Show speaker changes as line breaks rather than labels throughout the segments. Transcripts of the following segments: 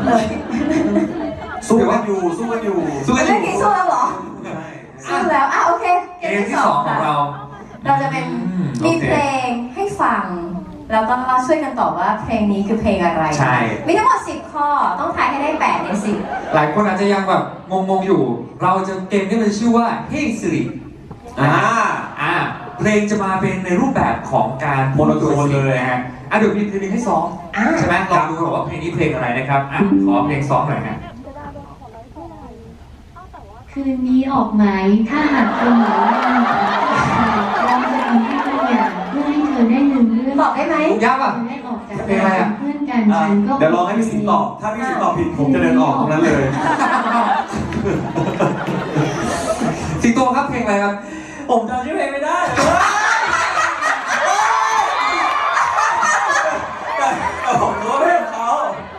สู้กันอยู่สู้กันอยู่
สู้กันอยู่
สู้แล้วเหรอสู้แล้วโอเค
เกมที่2ของเรา
จะเป็นมีเพลงให้ฟังแล้วก็ช่วยกันตอบว่าเพลงนี้คือเพลงอะไร
ใช่
มีทั้งหมด10ข้อต้องทายให้ได้8ใน10
หลายคนอาจจะยังแบบงงๆอยู่เราจะเกมนี้มันชื่อว่า Hey Siri เพลงจะมาเป็นในรูปแบบของการโมโนโทนเลยฮะเดี๋ยวมีเพลงให้ซ้อมใช่ไหมลองดูว่าเพลงนี้เพลงอะไรนะครับขอเพลงซ้อมหน่อยฮะ
คืนนี้ออกไหมถ้าหากเธอหนีเราจะทำให้ทุกอย่างเพื่อให้เธอได้ลืมเรื่อง
บอกได้ไหม
ยากอ่ะ
ได้ออกจากการเพื่อนกันฉันก็
เดี๋ยวลองให้พี่สิงห์ตอบถ้าพี่สิงห์ตอบผิดผมจะเดินออกตรงนั้นเลย
สิงโตครับเพลงอะไรครับ
ผมจำชื่อเพลงไม่ได้แต่ผมรู้ว่าเพลงเขา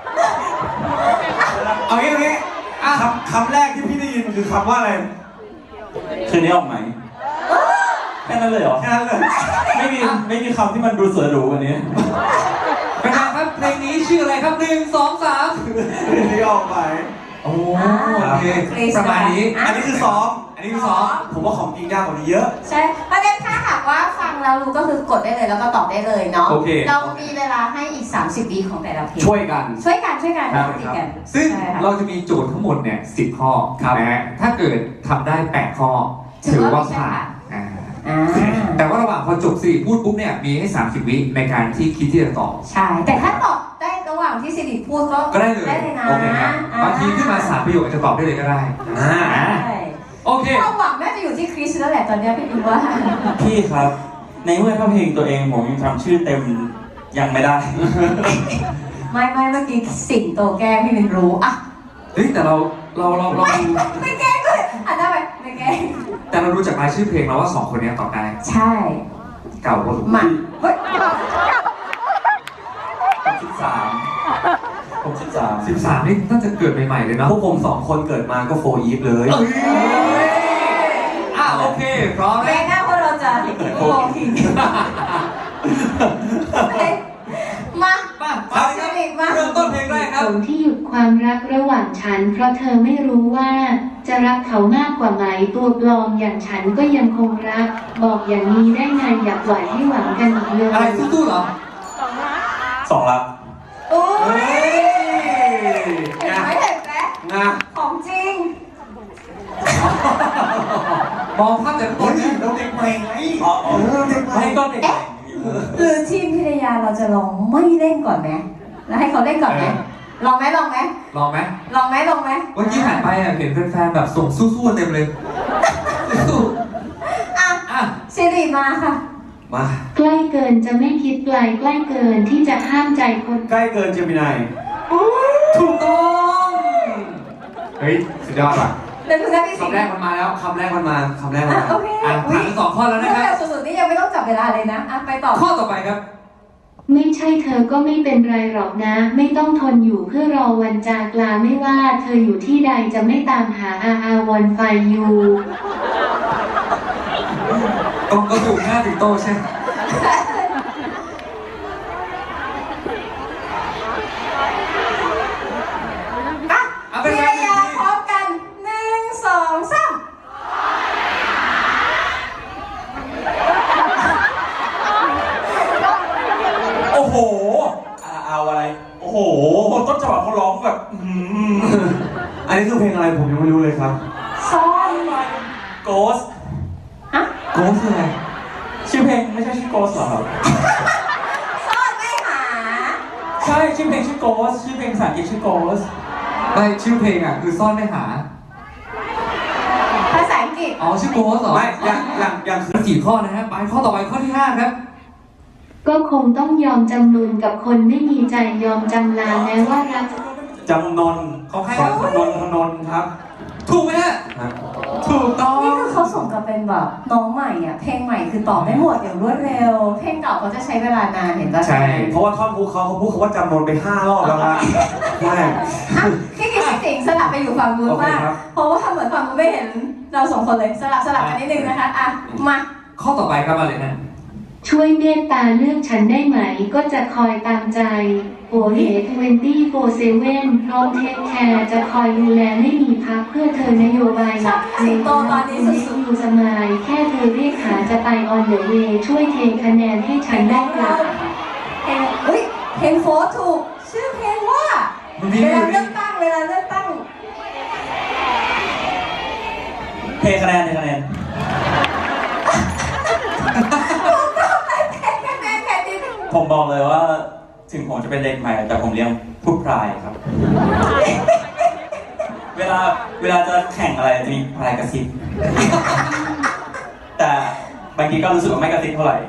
เอางี้คำแรกที่พี่ได้ยินคือคำว่าอะไรคืนนี้ออกไหมแค่นั้นเลยเหรอแค่นั้นเลยไม่มีคำที่มันดูเสือหรูกว่านี้
เป็นไงครับเพลงนี้ชื่ออะไรครับ1 2 3
คืนนี้ออกไหม
โอเคประมาณนี้
อันนี้คือซ้อมผมว่าของจริงยากกว่านี้เยอะ
ใช่ประเด็นถ้าหากว่าฟังแล้วรู้ก็คือกดได้เลยแล้วก็ตอบได้เลยเนาะเรามีเวลาให้อีก30 วิของแต่ละเพลง
ช่วยกัน
ติดกัน
ซึ่งเราจะมีโจทย์ทั้งหมดเนี่ย10 ข้อนะฮะถ้าเกิดทำได้8 ข้อถือว่าผ่านแต่ว่าระหว่างพอจบสิริพูดปุ๊บเนี่ยมีให้30 วิในการที่คิดที่จะตอบ
ใช่แต่ถ้าตอบได้ระหว่างที่สิริพูด
ก็ได้เลย
นะ
โอเคครับบางทีขึ้นมา3 ประโยคจะตอบได้เลยก็ได้โอเค
ความหวังน่าจะอยู่ที่คริสแล้วแหละตอนนี้พี่ดูว่า
พี่ครับในเมื่อถ้าเพลงตัวเองผมยังทำชื่อเต็มยังไม่ได้
ไม่เมื่อกี้สิงโตแก้พี่มินรู้อ่ะ
เฮ้ยแต่เรา
ไม่แก้ก็อ่ะได้ไหมไม่แก้
แต่เรารู้จากรายชื่อเพลงแล้วว่า2 คนนี้ตอบได้
ใช่
เก่าพอสมควร
เฮ้ย
13นี่น่าจะเกิดใหม่ๆเลยเนาะ
พวกผม2 คนเกิดมาก็โฟอีฟเลย
โอเคพร้อม
แล้วหน้าพวกเราจะโฟอีฟมา
เริ่มต้นเพลงแรกครับ
ที่หยุดความรักระหว่างฉันเพราะเธอไม่รู้ว่าจะรักเขามากกว่าไหมตัวปลอมอย่างฉันก็ยังคงรักบอกอย่างนี้ได้ไงอยากไหวให้หวังกันอีกเลย
อะไรสู้ๆเหรอ
2 ลับ
โอ้ยเห็นไหมของจริง
มองภาพแต่คนนี้
เราเด็กใหม่ไงเด็กใหม่ก็เด็ก
หรือทีมพิทยาเราจะลองไม่เล่นก่อนไหมแล้วให้เขาเล่นก่อนไหมลองไหม
วันนี้ผ่านไปเห็นแฟนๆแบบส่งสู้ๆเต็มเลย
สิริมาค่ะ
มา
ใกล้เกินจะไม่คิดไกลใกล้เกินที่จะห้ามใจคน
ใกล้เกินเจมินาย
ถูกต้องเฮ้ยสุดยอดว่ะ
คำแรก
มันมาแล้วคำแรกมันมา
โอเค
ผ่าน2 ข้อแล้วนะครับ
สุดๆนี่ยังไม่ต้องจับเวลาเลยนะไปต่อ
ข้อต่อไปครับ
ไม่ใช่เธอก็ไม่เป็นไรหรอกนะไม่ต้องทนอยู่เพื่อรอวันจากลาไม่ว่าเธออยู่ที่ใดจะไม่ตามหาวันไฟยู
ก็ถูกหน้าถึงโตใช่
พิทยาพร้อมกัน1 2 3
โอ้โหเอาอะไรโอ้โหต้นฉบับเขาร้องแบบอันนี้คือเพลงอะไรผมยังไม่รู้เลยครับ
ซ่อน
โกส
โกสคืออะไร
ชื่อเพลงไม่ใช่ชื่อโกสหรอครับ
ซ่อนไม่หา
ใช่ชื่อเพลงชื่อโกสชื่อเพลงภาษาอังกฤษชื่อโกส
ไม่ชื่อเพลงคือซ่อนไม่หา
ภาษาอังกฤษ
ชื่อโกสเหรอ
ไม่อย่าง
คือ4 ข้อนะฮะไปข้อต่อไปข้อที่5ครับ
ก็คงต้องยอมจำนนกับคนไม่มีใจยอมจำลาแม้ว่ารัก
จำนน
เขาให้
ถนนครับ
ถูกไหมฮะถูกต้อง
นี่คือเขาส่งกับเป็นแบบน้องใหม่เพลงใหม่คือตอบได้หมดอย่างรวดเร็วเพลงเก่าเขาจะใช้เวลานานเห็นป่ะ
ใช่เพราะว่าท่อนฮุกเขาพูดคำว่าจำนนไป5 รอบแล้วนะใช่
พี่คิดสิงสลับไปอยู่ฝั่งนู้นมากเพราะว่าเหมือนฝั่งนู้นไม่เห็นเรา2 คนเลยสลับกันนิดนึงนะคะมา
ข้อต่อไปครับมาเลยนะ
ช่วยเมตตาเลือกฉันได้ไหมก็จะคอยตามใจโอเล่24/7พร้อมเทคแคร์จะคอยดูแลไม่มีพักเพื่อเธอนโยบายหลักในตอนนี้อยู่สมายแค่เธอเรียกหาจะไปออนเดอะเวย์ช่วยเทคะแนนให้ฉันได้กลับ
เพลงโฟร์ถูกชื่อเพลงว่าเวลาเลือกตั้ง
เทคะแนนผมบอกเลยว่าถึงผมจะเป็นเด็กใหม่แต่ผมเลี้ยงพูดพรายครับ เวลาจะแข่งอะไรจะมีพรายกระซิบ แต่บางทีก็รู้สึกว่าไม่กระซิบเท่าไหร่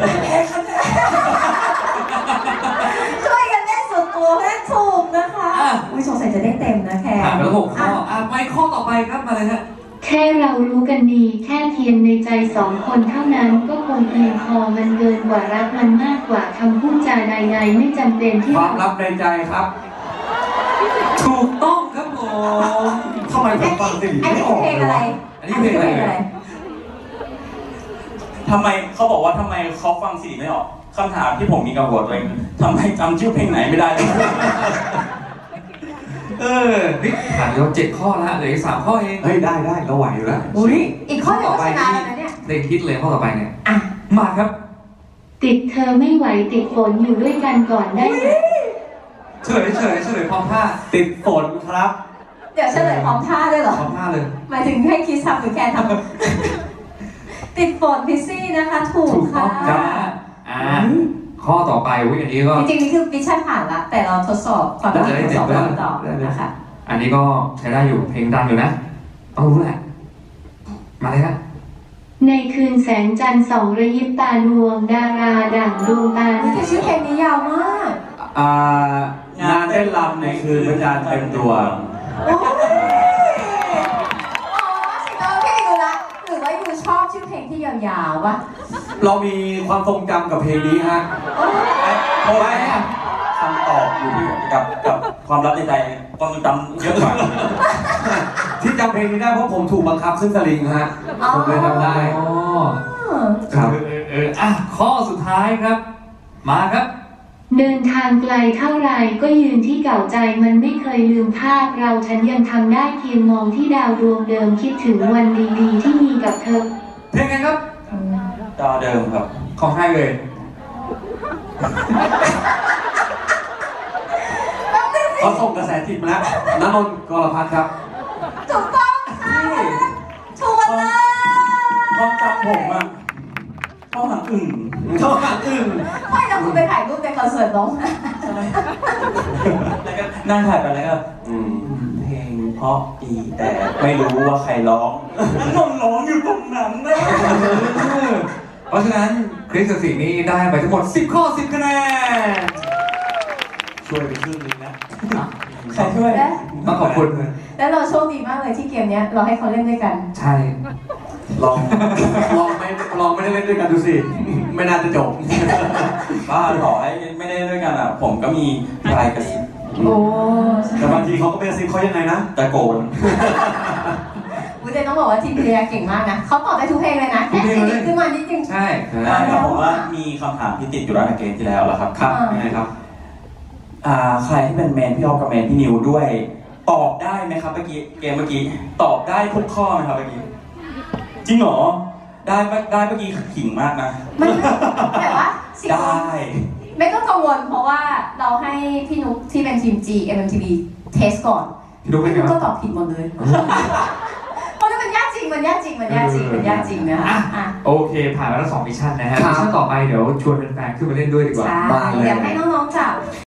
ช่วยกันเล่นสุดตัวเล่นถูกนะคะอุ้ยสงสัยจะได้เต็มนะแค่
ผ่านไปแล้ว6 ข้อไปข้อต่อไปครับมาเลยฮะ
แค่เรารู้กันดีแค่เทียมในใจ2 คนเท่านั้นก็คงเพียงพอมันเกินกว่ารักมันมากกว่าคำพูดจาใดๆไม่จำเป็นที่
ความลับในใจครับ
ถูกต้องครับผม
ทำไมผมฟังสิ่ง
อัน
นี้
นี้
ไม่อ
คือ
อก
เพลงอะไร
อันนี้เพลงอะไร
ทำไมเขาบอกว่าทำไมเขาฟังสีไม่ออกคำถามที่ผมมีกับหัวตัวเองทำไมจำชื่อเพลงไหนไม่ได้เลย
นี่ผ่านไปแล้ว7 ข้อแล้วเหลืออีก3 ข้อเอง
เฮ้ยได้เราไหวอยู่แล้ว
อุ้ยอีกข้อเดียวก็ชนะแล้วนะเนี่ย
เพลงฮิตเลยข้อต่อไปเนี่ย
อ่ะ
มาครับ
ติดเธอไม่ไหวติดฝนอยู่ด้วยกันก่อนได้ไหม
เฉลยพร้อมท่า
ติดฝนครับ
เดี๋ยวเฉลยพร้อมท่าด้วยเหรอ
พร้อมท่าเลย
หมายถึงให้คิดทำหรือแค่ทำ ติดฝนพิซซี่นะคะถูก
ถูกต้
ค่ะ
องครับข้อต่อไปอันนี้ก็
จริงๆนี่คือมิชชั่นผ่านละแต่เราทดสอบความรู้ทดสอบคำตอบนะคะ
อันนี้ก็ใช้ได้อยู่เพลงดังอยู่นะต้องรู้แหละมาเลยฮะ
ในคืนแสงจันทร์ส่องระยิบตาดวงดาราดั่งดวงตา
แต่ชื่อเพลงนี้ยาวมาก
งานเต้นรำในคืนพระจันทร์เต็มดวง
โอ้ยอ๋อสิโนพี่ดูละหรือว่ายูชอบชื่อเพลงที่ยาวๆวะ
เรามีความทรงจำกับเพลงนี้ฮะ
เพราะว่าคำตอบอยู่ที่กับความลับในใจความทรงจำเยอะกว่า
ที่จำเพลงนี้ได้เพราะผมถูกบังคับขึ้นสลิงฮะผมเลยจำได้
อ๋อ
ครับ
ข้อสุดท้ายครับ มาครับ
เดินทางไกลเท่าไรก็ยืนที่เก่าใจมันไม่เคยลืมภาพเราฉันยังทำได้เพียงมองที่ดาวดวงเดิมคิดถึงวันดีๆที่มีกับเธอ
เพลงไงครับ
ดาวเดิมครับ
ของใครเลย
เขาส่งกระแสจิตมาแล้วณนนท์กรพัฒน์ครับ
ถูกต้องค่ะถูกเลย
ความจำผมอะเข้าหางอึ่ง
เขาหางอึ่ง
ไม่แล้วคุณไปถ่ายรูปในคอนเสิร์ตน้อง
แล้วก็นั่งถ่ายไปแล้วก็เพลงเพราะดีแต่ไม่รู้ว่าใครร้องนนร้องอยู่ตรงนั้นนะ
เพราะฉะนั้นคริสกับสินี่ได้ไปทั้งหมด10 ข้อ 10 คะแนน
ช่วยไปครึ่งนึงนะ
ใครช่วย
ต้องขอบคุณ
แล้วเราโชคดีมากเลยที่เกมนี้เราให้เขาเล่นด้วยกัน
ใช่
ลองไม่ได้เล่นด้วยกันดูสิ ไม่น่าจะจบ
บ้าต่อให้ไม่ได้ด้วยกันอ่ะ ผมก็มีปลายกระซิบ
โอ้
แต่บางทีเขาก็ไม่กระซิบเขายังไงนะ
ตะโกน
คุณเจนต้องบอกว่าทีมพิทยาเก่งมากนะเขาตอบได้ทุกเพลงเลยนะแค่สิ่งขึ้นมานิดนึง
ใช่
แล้วผมว่ามีคำถามที่ติดอยู่แล้วในเกมที่แล้วแหละครับ
ครับยังไงครับ
ใครที่เป็นแมนพี่ออฟกับแมนพี่นิวด้วย ตอบได้ไหมครับเมื่อกี้เกมเมื่อกี้ตอบได้ทุกข้อไหมครับเมื่อกี้จริงเหรอได้เมื่อกี้ขิงมากนะ
มันแต่ว่าสิ่ง
ได้
ไม่ต้องกังวลเพราะว่าเราให้พี่นุ๊กที่เป็นทีม G MMTV เทสก่อน
พี่นุ๊กเป็นไง
พี่นุ๊ก
บ้าง
ก็ตอบผิดหมดเลยเพราะมันยากจริงนะ
โอเค ผ่านมาแล้ว2 มิชชั่นนะฮะ
ครับ
มิชชั่นต่อไปเดี๋ยวชวนแฟนๆขึ้นมาเล่นด้วยดีกว่า
ใช่อยากให้น้องๆจับ